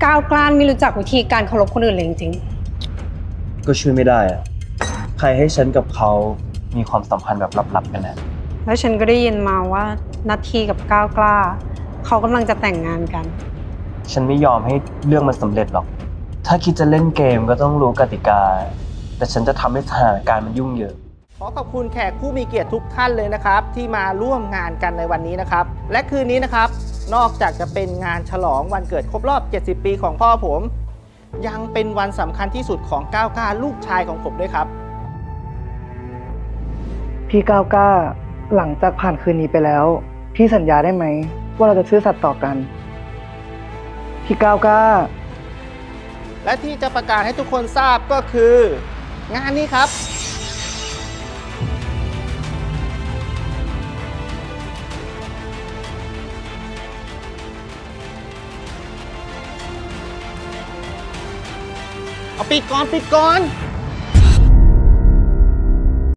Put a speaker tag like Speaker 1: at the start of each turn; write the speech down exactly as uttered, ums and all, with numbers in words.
Speaker 1: ก้าวกล้านไม่รู้จักวิธีการเคารพคนอื่นเลยจริง
Speaker 2: ก็ช่วยไม่ได้อะใครให้ฉันกับเขามีความสัมพันธ์แบบลับๆกันนะ
Speaker 1: ๆแล้วฉันก็ได้ยินมาว่านัททีกับก้าวกล้าเขากำลังจะแต่งงานกัน
Speaker 2: ฉันไม่ยอมให้เรื่องมันสำเร็จหรอก ถ้าคิดจะเล่นเกมก็ต้องรู้กติกา แต่ฉันจะทำให้สถานการณ์มันยุ่งเหยิง
Speaker 3: ขอขอบคุณแขกผู้มีเกียรติทุกท่านเลยนะครับที่มาร่วมงานกันในวันนี้นะครับและคืนนี้นะครับนอกจากจะเป็นงานฉลองวันเกิดครบรอบเจ็ดสิบปีของพ่อผมยังเป็นวันสำคัญที่สุดของก้าวกล้าลูกชายของผมด้วยครับ
Speaker 4: พี่ก้าวกล้าหลังจากผ่านคืนนี้ไปแล้วพี่สัญญาได้ไหมว่าเราจะซื่อสัตย์ต่อกันพี่ก้าวกล้า
Speaker 3: และที่จะประกาศให้ทุกคนทราบก็คือ งานนี้ครับเอาปิดก่อนปิดก่อน